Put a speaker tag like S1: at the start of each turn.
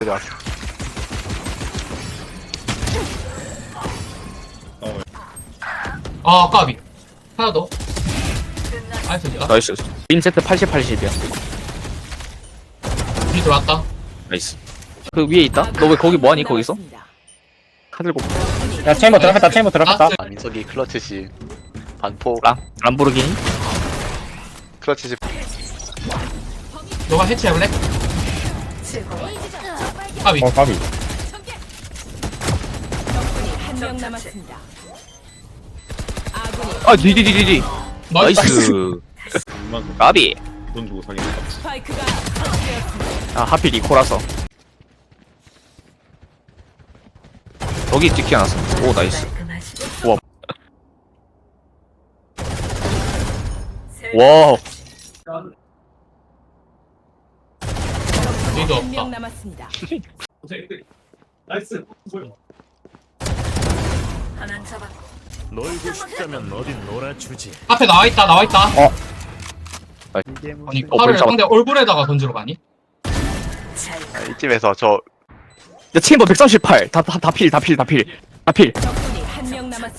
S1: 아 까비 하나 더 나이스 좋다
S2: 나이스. 인세트 80, 80이야.
S1: 뒤 들어왔다
S2: 나이스. 그 위에 있다? 너 왜 거기 뭐하니 거기서? 칼 들고.
S3: 야 체인버 들어갔다 체인버 들어갔다.
S1: 라스트.
S4: 아, 민석이 클러치시 반포
S2: 람보르기니?
S4: 클러치시
S1: 너가 해체해볼래? 까비
S3: 까비.
S5: 한명 남았습니다. 아군이
S2: 아 디디디디디. 나이스. 까비.
S6: 돈 주고 사긴
S5: 스파이크가 설치되었습니다.
S2: 아 하필 이코라서. 여기 찍히 않았어. 오 나이스. 와. 와.
S1: 뒤도
S5: 한명
S1: 없다
S5: 남았습니다.
S7: 놀고 싶다면 어딘 놀아주지.
S1: 앞에 나와있다 나와있다 아니
S2: 머리
S1: 팔을
S2: 잡았다.
S1: 상대 얼굴에다가 던지러 가니?
S4: 이쯤에서 저
S2: 야 체인버 138. 다 필.
S5: 적군이 한명 남았습니다.